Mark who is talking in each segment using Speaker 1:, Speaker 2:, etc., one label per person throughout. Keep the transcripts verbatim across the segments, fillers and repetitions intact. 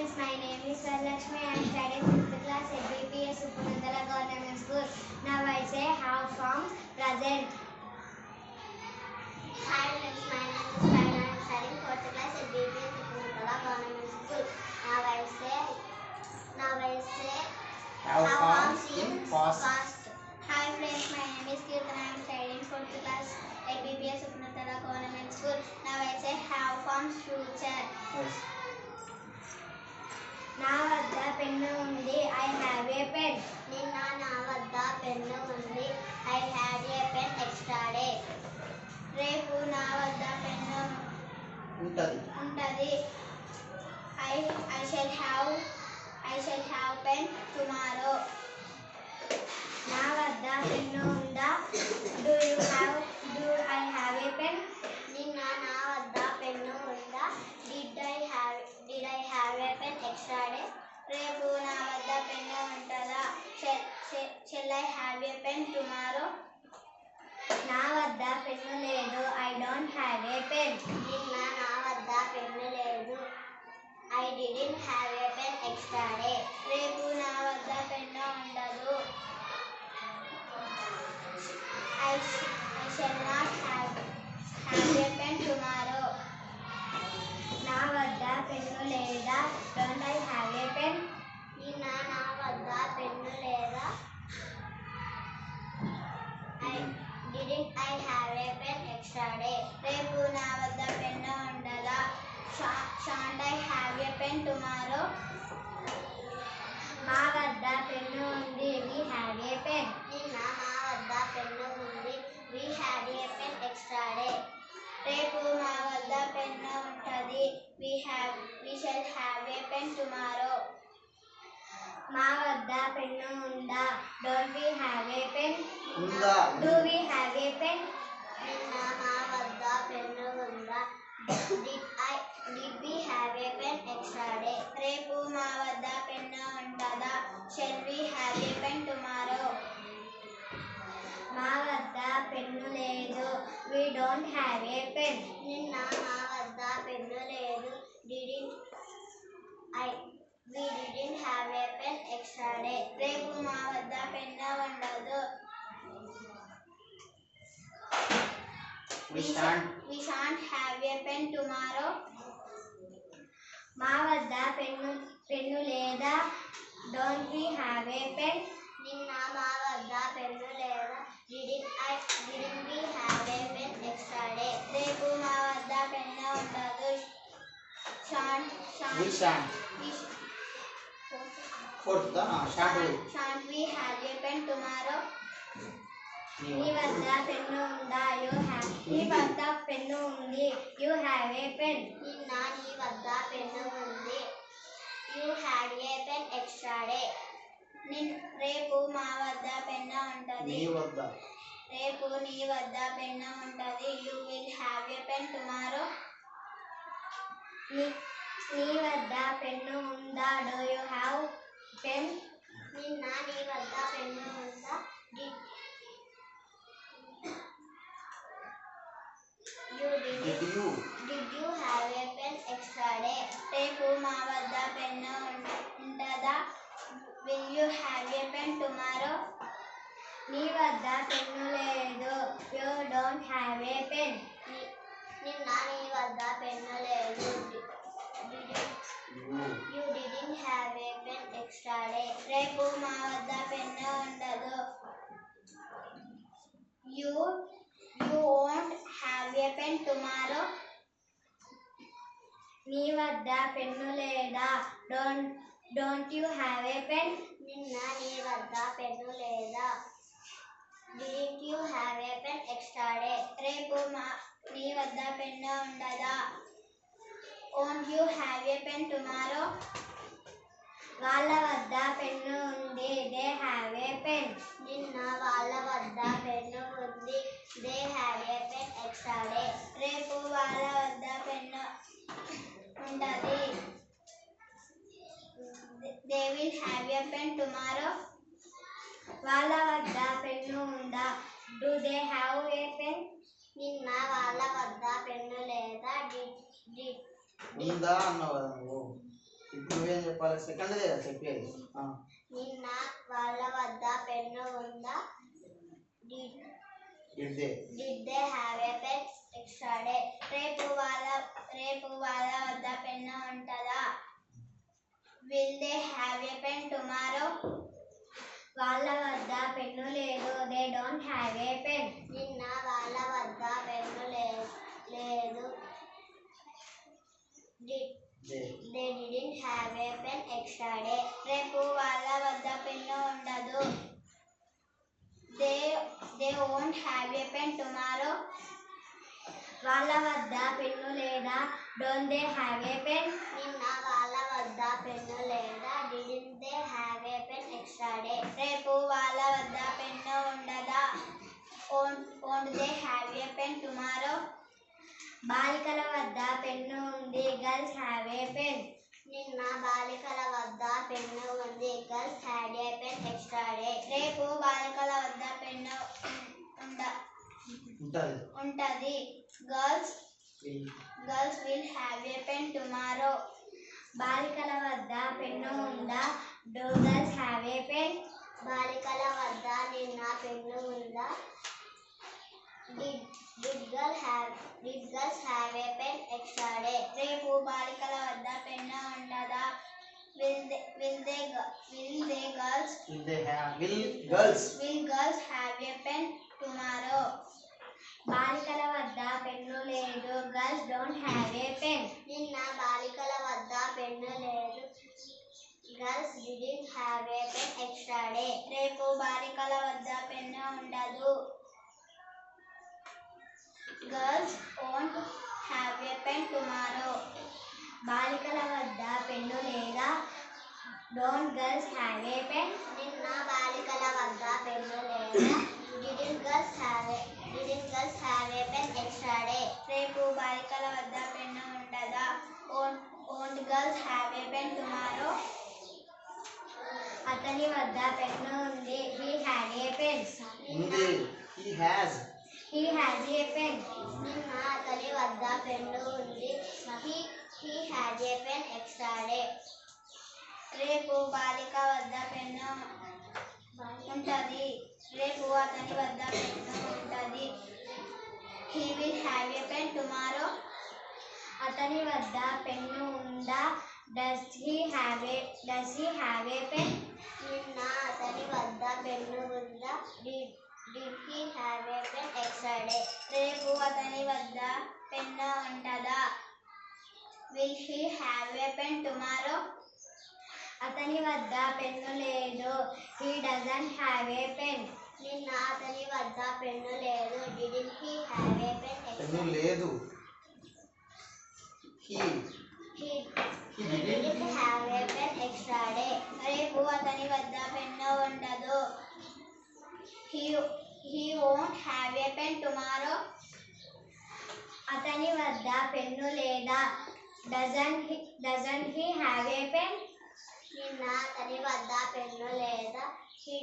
Speaker 1: friends, my name is Varalakshmi. I am studying fifth class at B P S Upanandala Government School. Now I say how from present. Hi friends, my name is Kyle. I am studying fourth class at B P S Upanandala Government School. Now I say, now I say
Speaker 2: how, how
Speaker 1: from
Speaker 2: in
Speaker 1: past.
Speaker 2: past.
Speaker 1: Hi friends, my name is Kirtan. I am studying fourth class at B P S Upanandala Government School. Now I say how from future.
Speaker 2: Yes.
Speaker 1: నా వద్ద pen ఉంది. I have a pen. నిన్న నా వద్ద pen ఉంది. I had a pen extra day. రేపు నా వద్ద పెన్ను
Speaker 2: ఉంటది
Speaker 1: ఉంటది. I I shall have I shall have pen tomorrow. నా వద్ద పెన్ను ఉందా? Do you have do I have a pen. నిన్న నా వద్ద పెన్ను ఉందా? Did I have did I have a pen extra day. రేపు నా వద్ద పెన్ను ఉంటుందా? Shall I have a pen tomorrow. నా వద్ద పెన్ను లేదు. I don't have a pen. నిన్న నా వద్ద పెన్ను లేదు. I didn't have a pen extra day. రేపు నా వద్ద పెన్ను ఉండదు. I I shall not have have a pen tomorrow. నా వద్ద పెన్ను లేదా? Don't I have a pen. నిన్న నా వద్ద పెన్ను లేదా? I didn't I have a pen extra day. రేపు నా వద్ద పెన్ను ఉండదా? Shan't I have a pen tomorrow. మా వద్ద పెన్ను ఉంది. We have a pen. నిన్న మా వద్ద పెన్ను ఉంది. We had a pen extra day. రేపు మా వద్ద పెన్ను ఉంటుంది. We have we shall have a pen tomorrow. మా వద్ద పెన్ను ఉందా? Don't we have a pen.
Speaker 2: ఉందా?
Speaker 1: Do we have a pen. నిన్న మా వద్ద పెన్ను ఉందా? Did I did we have a pen extra day. రేపు మా వద్ద పెన్ను ఉంటుందా? Shall we have a pen tomorrow. మా వద్ద పెన్ను లేదు. We don't have a pen. నిన్న మా వద్ద పెన్ను లేదు. Didn't I we didn't have a pen extra day. రేపు మా వద్ద పెన్ను ఉండదు.
Speaker 2: We shan't.
Speaker 1: We shan't have a pen tomorrow. మా వద్ద పెన్ను పెన్ను లేదా? Don't we have a pen. నిన్న మా వద్ద పెన్ను లేదా? Didn't I didn't we have a pen extra day. రేపు మా వద్ద పెన్ను ఉండదు. Shan't
Speaker 2: We shan't. Fourth da na shan't we.
Speaker 1: Shan't we have a pen tomorrow?
Speaker 2: నీ
Speaker 1: నీ వద్ద పెన్ను ఉందా? యు హ్యావ్ నీ వద్ద పెన్ను ఉంది. You have a pen. నిన్న నీ వద్ద పెన్ను ఉంది. You had a pen extra day. రేపు మా వద్ద పెన్ను ఉంటుంది.
Speaker 2: నీ వద్ద
Speaker 1: రేపు నీ వద్ద పెన్ను ఉంటుంది. You will have a pen tomorrow. నీ నీ వద్ద పెన్ను ఉందా? Do you have pen. నిన్న నీ వద్ద పెన్ను ఉందా? Did you
Speaker 2: did you
Speaker 1: did you have a pen extra day. రేపు మా వద్ద పెన్ను ఉంటుందా? Will you have a pen tomorrow. నీ వద్ద పెన్ను లేదు. You don't have a pen. నిన్న నీ వద్ద పెన్ను లేదు.
Speaker 2: you
Speaker 1: you didn't have a pen extra day. రేపు మా వద్ద పెన్ను ఉండదు. You you won't have a pen tomorrow. నీ వద్ద పెన్ను లేదా? Don't don't you have a pen. నిన్న నీ వద్ద పెన్ను లేదా? Didn't you have a pen extra day. రేపు మా నీ వద్ద పెన్ను ఉండదా? Won't you have a pen tomorrow. వాళ్ళ వద్ద పెన్ను ఉంది. They have a pen. నిన్న వాళ్ళ వద్ద పెన్ను ఉంది. They have a pen extra day. రేపు వాళ్ళ వద్ద పెన్ను ఉంటుంది. They will have a pen tomorrow. వాళ్ళ వద్ద పెన్ను ఉందా? Do they have a pen. నిన్న వాళ్ళ వద్ద పెన్ను లేదా? డిడ్ డిడ్
Speaker 2: ఉందా అన్నావు కదా నువ్వు. ఇప్పుడు నువ్వేం చెప్పాలి? సెకండ్ దే చెప్పేది. ఆ.
Speaker 1: నిన్న వాళ్ళ వద్ద పెన్ను ఉందా? Did
Speaker 2: Did they?
Speaker 1: Did they have a pen extra day? రేపు వాళ్ళ రేపు వాళ్ళ వద్ద పెన్ను ఉంటుందా? Will they have a pen tomorrow? వాళ్ళ వద్ద పెన్ను లేదు. They don't have a pen. నిన్న వాళ్ళ వద్ద పెన్ను లేదు. Did
Speaker 2: They.
Speaker 1: They didn't have a pen extra day. రేపు వాళ్ళ వద్ద పెన్ను ఉండదు. They they won't have a pen tomorrow. వాళ్ళ వద్ద పెన్ను లేదా? Don't they have a pen? నిన్న వాళ్ళ వద్ద పెన్ను లేదా? Didn't they have a pen extra day? రేపు వాళ్ళ వద్ద పెన్ను ఉండదా? Won't won't they have a pen tomorrow? బాలికల వద్ద పెన్ను ఉంది. Girls have a pen. నిన్న బాలికల వద్ద పెన్ను ఉంది. Girls had a pen extra day. రేపు బాలికల వద్ద పెన్ను ఉండ
Speaker 2: ఉంటది.
Speaker 1: ఉంటది. Girls
Speaker 2: Will.
Speaker 1: Girls will have a pen tomorrow. బాలికల వద్ద పెన్ను ఉందా? Do girls have a pen? బాలికల వద్ద నిన్న పెన్ను ఉందా? Did Did girls have Did girls have a pen extra day? రేపు బాలికల వద్ద పెన్ను ఉంటుందా? Will they Will they Will they girls
Speaker 2: Will they have? Will girls?
Speaker 1: Will girls have a pen tomorrow? బాలికల వద్ద pen లేదు. Girls don't have a pen. నిన్న బాలికల వద్ద పెన్ను లేదు. Girls didn't have a pen extra day. రేపు బాలికల వద్ద పెన్ను ఉండదు. Girls won't have a pen tomorrow. బాలికల వద్ద పెన్ను లేదా? Don't girls have a pen? నిన్న బాలికల వద్ద పెన్ను లేదా? Didn't girls have a Didn't girls have a pen extra day? రేపు బాలికల వద్ద పెన్ను ఉండదా? Won't Won't girls have a pen tomorrow? అతని వద్ద పెన్ను ఉంది. He had a pen.
Speaker 2: ఉంది. He has.
Speaker 1: He has a pen. నిన్న అతని వద్ద పెన్ను ఉంది. He He had a pen extra day. రేపు బాలిక వద్ద పెన్ను ఉంటది. రేపు అతని వద్ద పెన్ను ఉంటది. He will have a pen tomorrow. అతని వద్ద పెన్ను ఉందా? Does he have a Does he have a pen? నిన్న అతని వద్ద పెన్ను ఉందా? Did Did he have a pen extra day? రేపు అతని వద్ద పెన్ను ఉంటుందా? Will he have a pen tomorrow? అతని వద్ద పెన్ను లేదు. He doesn't have a pen. నిన్న అతని వద్ద పెన్ను లేదు. Didn't he have a pen extra?
Speaker 2: Pen లేదు. He.
Speaker 1: He
Speaker 2: He
Speaker 1: He
Speaker 2: didn't.
Speaker 1: didn't have a pen extra day. రేపు అతని వద్ద పెన్ను ఉండదు. He He won't have a pen tomorrow. అతని వద్ద పెన్ను లేదా? Doesn't he Doesn't he have a pen? నిన్న అతని వద్ద పెన్ను లేదా? He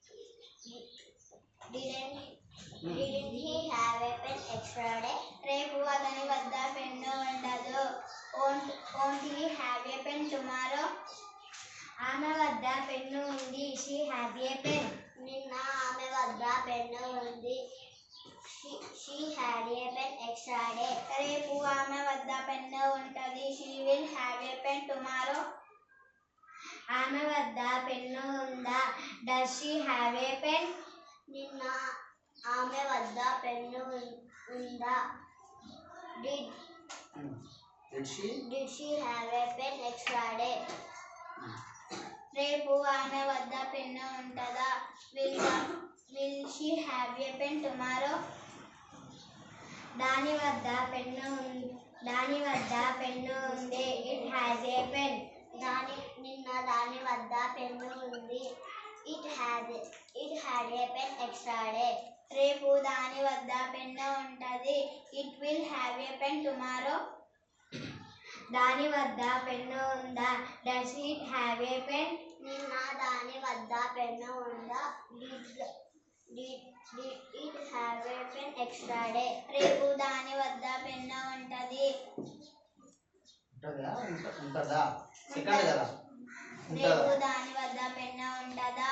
Speaker 1: Didn't Didn't he have a pen extra day? రేపు అతని వద్ద పెన్ను ఉండదు. Won't Won't he have a pen tomorrow? ఆమె వద్ద పెన్ను ఉంది. She has a pen. నిన్న ఆమె వద్ద పెన్ను ఉంది. She She had a pen extra day. రేపు ఆమె వద్ద పెన్ను ఉంటది. She will have a pen tomorrow. ఆమె వద్ద పెన్ను ఉందా? Does she have a pen? నిన్న ఆమె వద్ద పెన్ను ఉందా? Did
Speaker 2: Did she?
Speaker 1: Did she have a pen extra day? రేపు ఆమె వద్ద పెన్ను ఉంటుందా? Will Will she have a pen tomorrow? దాని వద్ద పెన్ను దాని వద్ద పెన్ను ఉంది. It has a pen. దాని నిన్న దాని వద్ద పెన్ను ఉంది. It had It had a pen extra day. రేపు దాని వద్ద పెన్ను ఉంటది. It will have a pen tomorrow. దాని వద్ద పెన్ను ఉందా? Does it have a pen? నిన్న దాని వద్ద పెన్ను ఉందా? Did Did Did it have a pen extra day? రేపు దాని వద్ద పెన్ను ఉంటది.
Speaker 2: ఉంటుందా ఉంట- ఉంటుందా సెకండ్ కదా ఉంటుందా
Speaker 1: రేపు దాని వద్ద పెన్ను ఉంటుందా?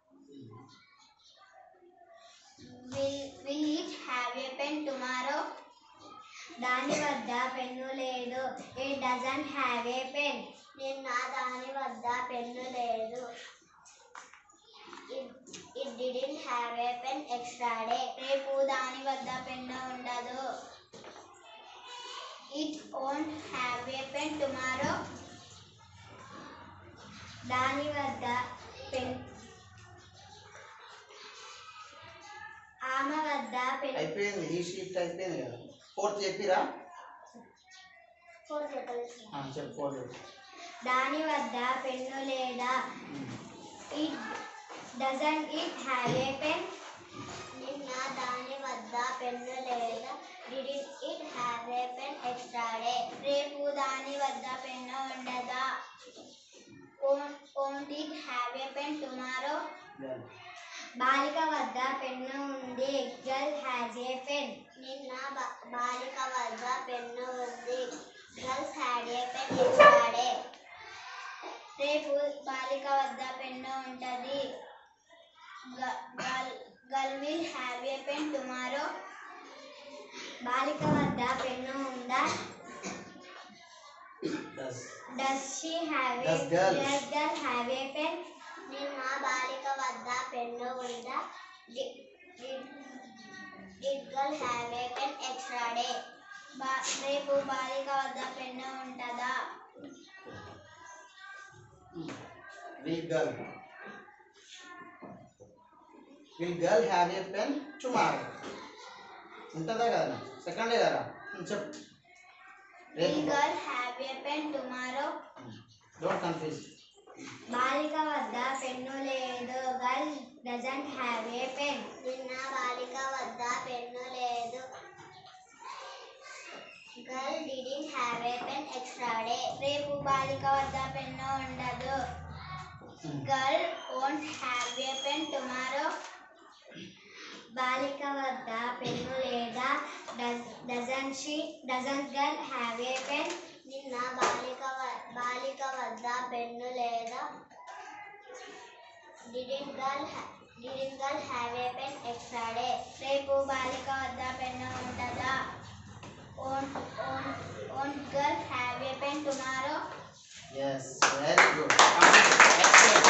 Speaker 1: Will will it have a pen tomorrow? దాని వద్ద పెన్ను లేదు. It doesn't have a pen. నిన్న దాని వద్ద పెన్ను లేదు. It it didn't have a pen extra day. రేపు దాని వద్ద పెన్ను ఉండదు. It won't have a pen tomorrow. దాని వద్ద పెన్ ఆమె వద్ద పెన్
Speaker 2: అయిపోయింది ఈ షిఫ్ట్ అయిపోయింది కదా ఫోర్త్ చెప్పిరా
Speaker 1: ఫోర్ చెప్పలేదు.
Speaker 2: ఆ, చెప్పు ఫోర్త్
Speaker 1: దాని వద్ద పెన్ను లేదా? It doesn't it have a pen. నిన్న దాని వద్ద పెన్ను లేదా? Did it have a pen extra day. రేపు దాని వద్ద పెన్ను ఉండదా? Won't it have a pen tomorrow. బాలిక వద్ద పెన్ను ఉంది. Girl has a pen. నిన్న బా- బాలిక వద్ద పెన్ను ఉంది. Girls had a pen extra day. రేపు బాలిక వద్ద పెన్ను ఉంటుంది. Girl will have a pen tomorrow. బాలిక వద్ద పెన్ను ఉందా?
Speaker 2: Does
Speaker 1: does she have a
Speaker 2: Does girl.
Speaker 1: Does girl have a pen. నిన్న బాలిక వద్ద పెన్ను ఉందా? Did girl have a pen extra day. రేపు బాలిక వద్ద పెన్ను ఉంటుందా?
Speaker 2: Will girl will girl have a pen tomorrow ఉంటుందా కదా సెకండే కదా ఉమ్, చెప్పు
Speaker 1: విల్
Speaker 2: రేపు
Speaker 1: girl have a pen tomorrow.
Speaker 2: Don't confuse
Speaker 1: బాలిక వద్ద పెన్ను లేదు. Girl doesn't have a pen. నిన్న బాలిక వద్ద పెన్ను లేదు. Girl didn't have a pen extra day. రేపు బాలిక వద్ద పెన్ను ఉండదు. Girl won't have a pen tomorrow. బాలిక వద్ద పెన్ను లేదా? Doesn't she doesn't girl have a pen. నిన్న బాలిక వ- బాలిక వద్ద పెన్ను లేదా? Didn't girl didn't girl have a pen extra day. రేపు బాలిక వద్ద పెన్ను ఉంటుందా? Won't won't won't girl have a pen tomorrow.
Speaker 2: yes very good